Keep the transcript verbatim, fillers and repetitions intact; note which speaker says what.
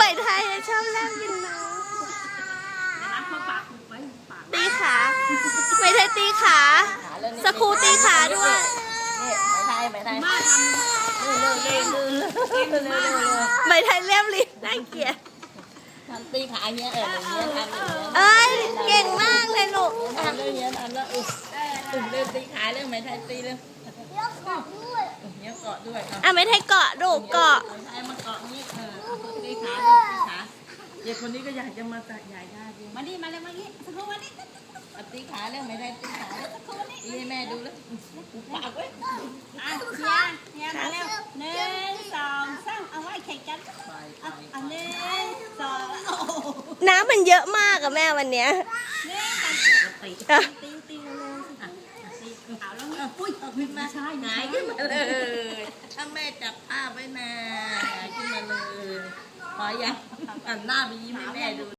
Speaker 1: ม่ไทยชอบนั่งกินน้องตีขาใหม่ไทยตีขาสกูตีขาด้วย
Speaker 2: นี่ไหมไทยไหมไทยเร็วเร็วเร็วเร็วเร็วเร็วเร็ว
Speaker 1: ใหม่ไทยเรียบรีน่าเกลียด
Speaker 2: ทำตีขาเงี้ยเอออย่างเงี้ยทำอย่างเงี้ย
Speaker 1: เอ้ยเก่งมากเลยลูก
Speaker 2: ทำเรื่องเงี้ยทำแล้วอึอึเร็วตีขาเรื่องไหมไทยตีเร็วเงี้ยเกาะด้วยเงี้ยเกาะด้วย
Speaker 1: อ่ะใหม่ไทยเกาะลูกเกาะ
Speaker 2: ไหมไทยมาเกาะนี้เออตีขาตีขาเด็กคนนี้ก็อยากจะมาตัดใหญ่ได้ดิมาดิมาเลยมาดิสักครู่มาดิตีขาเรื่องไหมไทยตีขาตีให้แม่ดูแล้วปากไว้
Speaker 3: อ่ะเฮียเฮียมาเร็วหนึ่งสองสามเอาไว้แข่งกันอ่ะอันหนึ่งสองโอ้
Speaker 1: น้ำมันเยอะมากอะแม่วันเนี้ย
Speaker 3: หนึ่งสองตีตีตีเร็วอ่ะตีเอาแล้วปุ้ยขึ้นมาใช่
Speaker 2: หงายขึ้นมาเลยถ้าแม่จับผ้าไว้นะหงายขึ้นมาเลยพอยังหันหน้าไปยิ้มให้แม่ดู